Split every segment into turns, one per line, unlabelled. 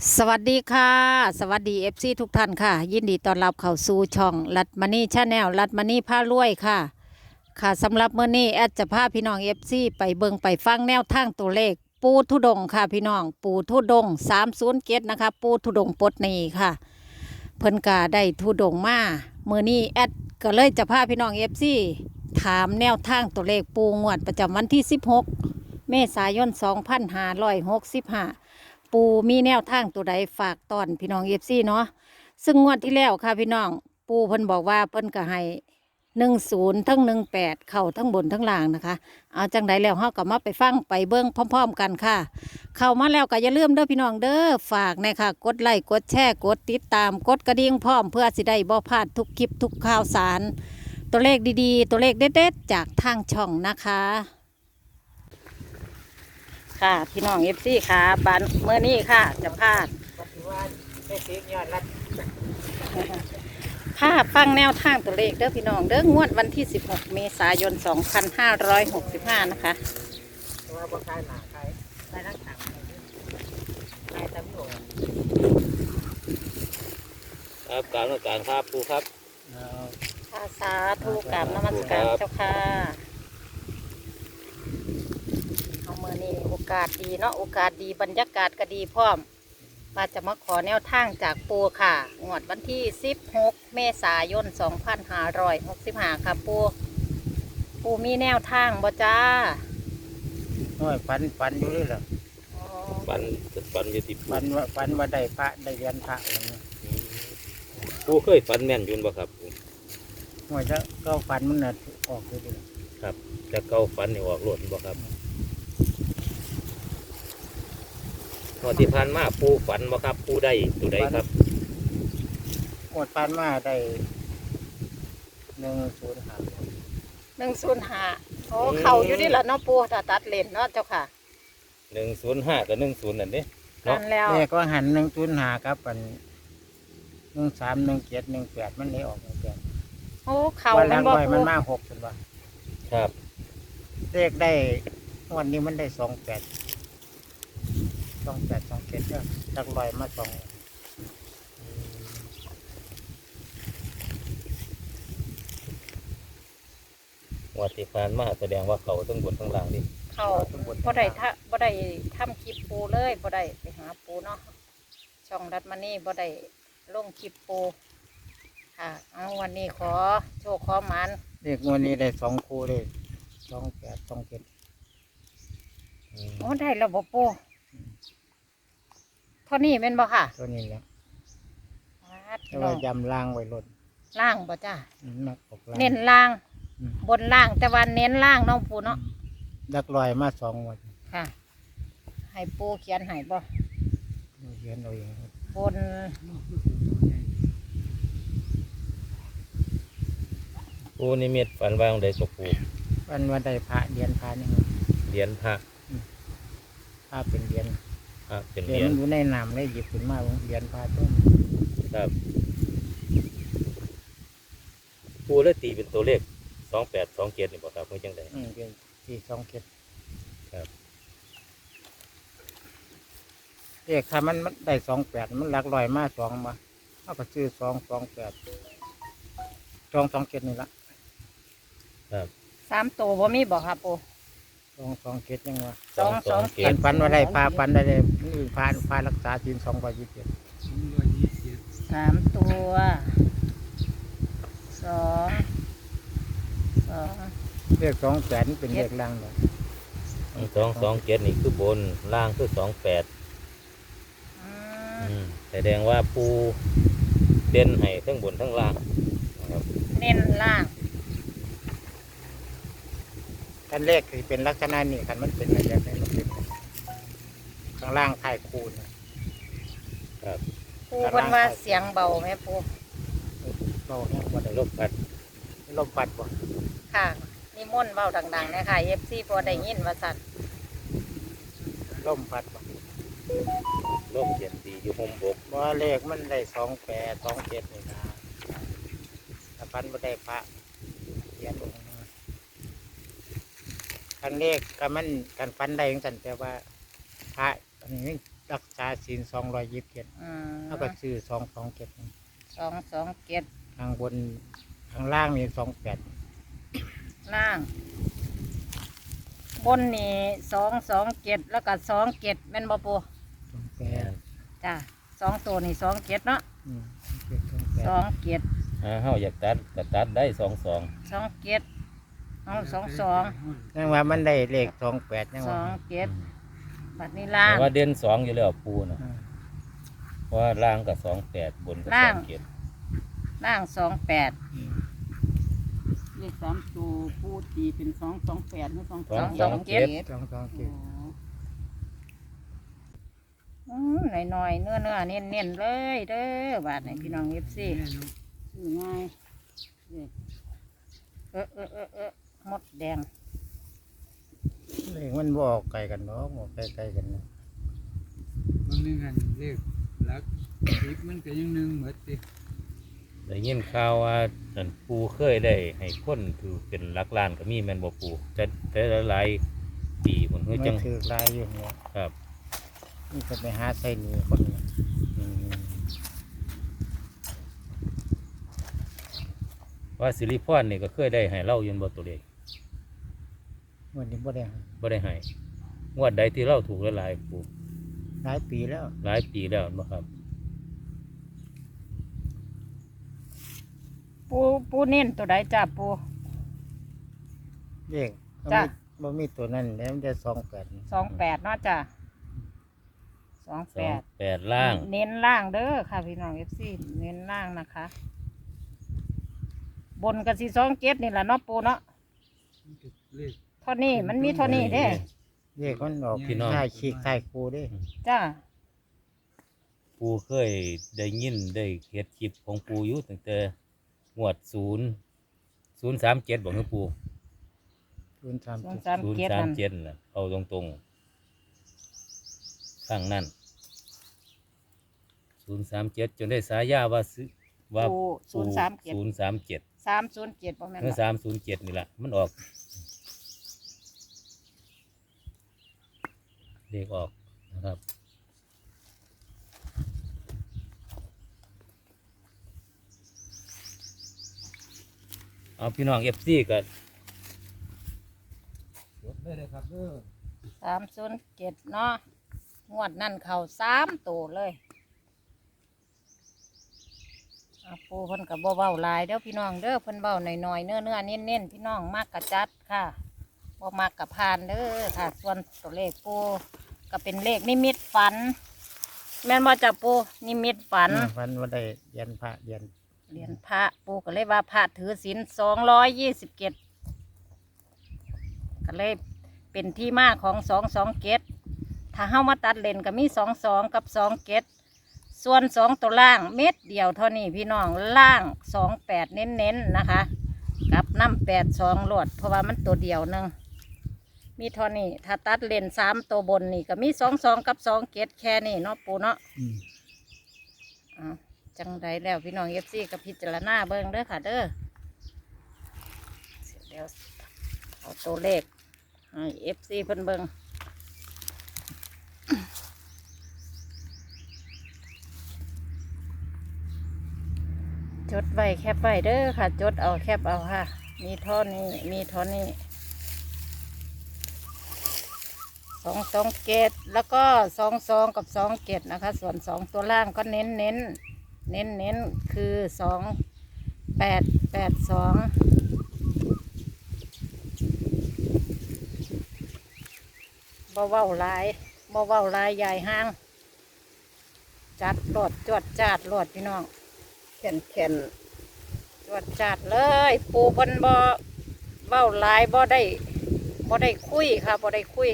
สวัสดีค่ะสวัสดีFC ทุกท่านค่ะยินดีต้อนรับเข้าสู่ช่องรัตมณีชาแนลรัตมณีพารวยค่ะค่ะสำหรับมื้อนี้แอดจะพาพี่น้อง FC ไปเบิ่งไปฟังแนวทางตัวเลขปูทุดงค์ค่ะพี่น้องปูทุดงค์307นะคะปูทุดงค์ปลดหนี้ค่ะเพิ่นก็ได้ทุดงค์มามื้อนี้แอดก็เลยจะพาพี่น้อง FC ถามแนวทางตัวเลขปูงวดประจำวันที่16เมษายน2565ปูมีแนวทางตัวใดฝากตอนพี่น้องFCเนาะซึ่งงวดที่แล้วค่ะพี่น้องปูเพิ่นบอกว่าเพิ่นก็ให้10ทั้ง18เข้าทั้งบนทั้งล่างนะคะเอาจังใดแล้วเฮาก็มาไปฟังไปเบิ่งพร้อมๆกันค่ะเข้ามาแล้วก็อย่าลืมเด้อพี่น้องเด้อฝากนะค่ะกดไลค์กดแชร์กดติดตามกดกระดิ่งพร้อมเพื่อสิได้บ่พลาดทุกคลิปทุกข่าวสารตัวเลขดีๆตัวเลขเด็ดๆจากทางช่องนะคะค่ะพี่น้องFCค่ะบันเมื่อนี้ค่ะจะพาดภาพฟังแนวทางตัวเลขเด้อพี่น้องเด้องวดวันที่16เมษายน2565นะคะว่าบ่ขายหนาขายนักต่างขายตำรวจ
ครับกรารนมัสการครับครูครับ
ภาษาทูกราบนมัสการเจ้าค่ะเอาเมื่อนี้โอกาสดีเนาะโอกาสดีบรรยากาศก็ดีพร้อมว่าจะมาขอแนวทางจากปูค่ะงวดวันที่16เมษายน2565ค่ะปูมีแนวทางบ่จ้า
น้อยฝันอยู่เลยเหรอ
ปันปันอยู่ที่
ฝันว่าได้พระได้เรียนพระอะไรเงี้ย
ครูเคยฝันแม่นอยุนบ่ครับครู
น้อยจะก็ฝันมันน่ะออกเลย
ครับจะเก้าฝันนี่ออกหลดบ่ครับพอที่ผ่านมาปูฝันบ่ครับปูได้ตัวใดครับ
หมดฝันมาได้105
105โอ้เข่าอยู่นี่แหละเนาะปูถ้าตัดเลนเนาะเจ้าค่ะ
105กับ10นั่นนี่
เนาะแล้ว
แม่ก็หัน105ครับอัน13 17 18มันเลยออก18
โอ้เข่า
มันบ่มันมา6เป็นว่า
ครับ
เลขได้วันนี้มันได้28 27ก็จักลอยมา2
วัดที่ผ่านมาแสดงว่าเขาทั้งบนทั้งล่างนี่
เขาบ่ได้ทำคลิปปูเลยบ่ได้ไปหาปูเนาะช่องรัตมณีบ่ได้ลงคลิปปูค่ะเอาวันนี้ขอโชคขอหมาน
เลขวันนี้ได้2คู่เลย28 27
โอ้ได้แล้วบ่ปูเท่านี้แม่นบ่ค่ะ
ตัวนี้แหละแต่ว่ายำล่างไว้ลด
ล่างบ่จ้าเน้น
เน้น
ล่างบนล่างแต่วันเน้นล่างน้องปูเนาะ
ดักลอยมา2 วัน
ค่ะให้ปูเขียนให้บ่
เขียนเอาเอง
บน
ปูนิมิตฝันว่าองใดกับปู
วันได้พระเรียนพระนี่
เหรียญพระ
พระเป็นเรียน
เป็นเห
รี
รี
ย
ญ
อยู่ในน้ำได้หยิบขึ้นมาเรียนพระต้น
ครับปูเลยตีเป็นตัวเลข2827นี่บ่ครับเพื่อจังได
เป็น427
ครับ
เลขถ้ามันได้28มันหลักลอยมา2มาเอาก็ซื้อ228 227นี่ละ
ครับ
3ตัวบ่มีบ่ครับปู
227ยังว่า
227
ฝันว่าได้พาฝันได้พารักษาศีล227
3ตัว
เลข28เป็นเลขล่างเลย
227นี่คือบนล่างคือ28แสดงว่าปูเด่นให้ทั้งบนทั้งล่างนะครับ
เน้นล่าง
คันเลขคือเป็นลักษณะนี้คันมันเป็นอะไรแบบนี้มันเป็นข้างล่างถ่ายคูณ
ครับ
ปูเป็นว่าเสียงเบาไหมปู
เบาแห้งบ่ได้
ลมพัด
บ่
ค่ะนิมนต์เบาดังๆนะคะFCพอได้ยินว่าสั่น
ลมพัดบ่
ลมเย็นดีอยู่ห่มบก
บ่เลขมันได้28 27นี่นะถ้าพันบ่ได้พระเขียนองค์คันเลขก็มันกันฟันได้จังซั่นแต่ว่าพระอันนี้รักษาศีล227
อืม
แล้วก็ซื้อ227
227
ข้างบนข้างล่างนี่28
ล่าง บนนี่227แล้วก็27แม่นบ่ปู
28
จ้ะ2ตัวนี่27เนาะ
28
27
เฮาอยากตัดก็ตัดได้22
27เอา22
ยังว่ามันได้เลข28ยังว่า
27บัดนี้ล่าง
แต่ว่าเด่น2อยู่แล้วปูน่ะ
อืม
เพราะว่าล่างก็28บนก็
ล่าง
27
ล่าง28
เลข3ตัวผู้ตีเป็น228หรือ2
227
หน่อยๆเนื้อเน้นๆเลยเด้อบาดนี้พี่น้อง FC
ซื้อง่ายเลข
หมดแดง
เลขมันบ่ออกไกลกันเนาะบ่ไกลๆกันเนาะ
มันนึงอันเลขหลักสิบมันก็ยังหนึ่งเหมือนติ
ได้ยินข่าวว่านั่นปูเคยได้ให้คนถือเป็นหลักล้านก็มีแม่นบ่ปูแต่หลายๆปีพุ่นคือ
ไม่
จัง
ถือลายอยู่เนี่ย
ครับ
นี่ก็ไปหาใส่หนีคนเนี่ย
อืมว่าสิริพรนี่ก็เคยได้ให้เล่าอยู่บ่ตัวเลข
วันนี้บ่ได้หา
บ่ได้ให้งวดใดที่เราถูกหลายๆปู
หลายปีแล้ว
หลายปีแล้วบ่ครับ
ปูเน้นตัวใดจ้าปู
เลข
จ้ะ
บ่มีตัวนั้นแล้วมันจะ
28เนาะจ้ะ28
8ล่าง
เน้นล่างเด้อค่ะพี่น้อง FC เน้นล่างนะคะ บนกับสี27นี่แหละเนาะปูเนาะ
มันก็เลข
เท่านี้มันมีเท่านี้เด้
เลขมันออก
พี่น้อง
ค่ายขีกค่ายครูเด้
จ้า
ปูเคยได้ยินได้เฮ็ดคลิปของปูอยู่ตั้งแต่งวด037บอกให้ปู
037
037นั่น
037น่ะเอาตรงๆข้างนั้น037จนได้สายาว่าซื้อว่า
ปู
ปู
037
037
307บ่แม่น
เมื่อ
บ่
307นี่แหละมันออกเลขออกนะครับเอาพี่น้อง FC ก็
จดได้เลยครับเด้อ
307เนาะงวดนั่นเข้า3ตัวเลยปูเพิ่นก็บ่เว้าหลายเด้อพี่น้องเด้อเพิ่นเว้าหน่อยๆเนื้อเน้นๆพี่น้องมากกะจัดค่ะบ่มากกะพานเด้อค่ะ ส่วนตัวเลขปูก็เป็นเลขนิมิตฝัน แม่นบ่จ้ะปูนิมิตฝัน
ฝันว่าได้เรียนพระเรียน
เหรียญพระปูก็เลยว่าพระถือศีล227ก็เลยเป็นที่มาของ227ถ้าเฮามาตัดเลนก็มี22กับ27ส่วน2ตัวล่างเม็ดเดียวเท่านี้พี่น้องล่าง28เน้นๆนะคะ กับน้ำ82โหลดเพราะว่ามันตัวเดียวหนึงมีเท่านี้ถ้าตัดเลน3ตัวบนนี่ก็มี22กับ27แค่นี้เนาะปูเนาะ อ้าวจังใดแล้วพี่น้องFCกับพิจารณาเบิ่งเด้อค่ะเด้อเดี๋ยวเอาตัวเลขให้ FC เพิ่นเบิ่งจดไว้แคปไว้เด้อค่ะ จดเอาแคปเอาค่ะ มีเท่านี้มีเท่านี้227แล้วก็22กับ27นะคะ ส่วน2ตัวล่างก็เน้นคือ2882บ่เว้าหลายใหญ่ห้าง จัดโหลดจวดจาดโหลดพี่น้องแข็นจวดจาดเลย ปูเพิ่นบ่เว้าหลายบ่ได้คุยค่ะบ่ได้คุย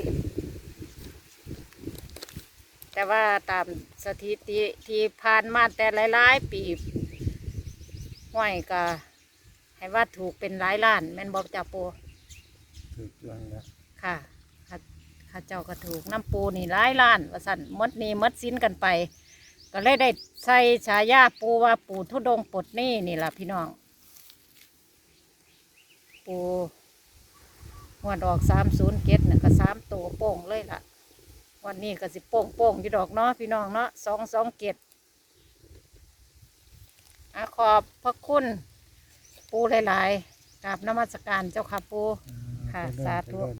แต่ว่าตามสถิติที่ผ่านมาแต่หลายๆปีห้วยก็ให้ว่าถูกเป็นหลายล้านแม่นบอกจ่าปู
ถูกต้องแล้ว
ค่ะข้าเจ้าก็ถูกน้ำปูนี่หลายล้านว่าสั่นหมดหนี้หมดสินกันไป ก็เลยได้ใส่ฉายาปูว่าปูทุดงค์ปลดหนี้นี่ล่ะพี่น้อง ปูงวดออก307น่ะก็3ตัวโป่งเลยล่ะวันนี้ก็สิโป่งโป่งอยู่ดอกเนาะพี่น้องเนาะ227ขอบพระคุณปูหลายๆกราบนมัสการเจ้าค่ะปูค่ะสาธุ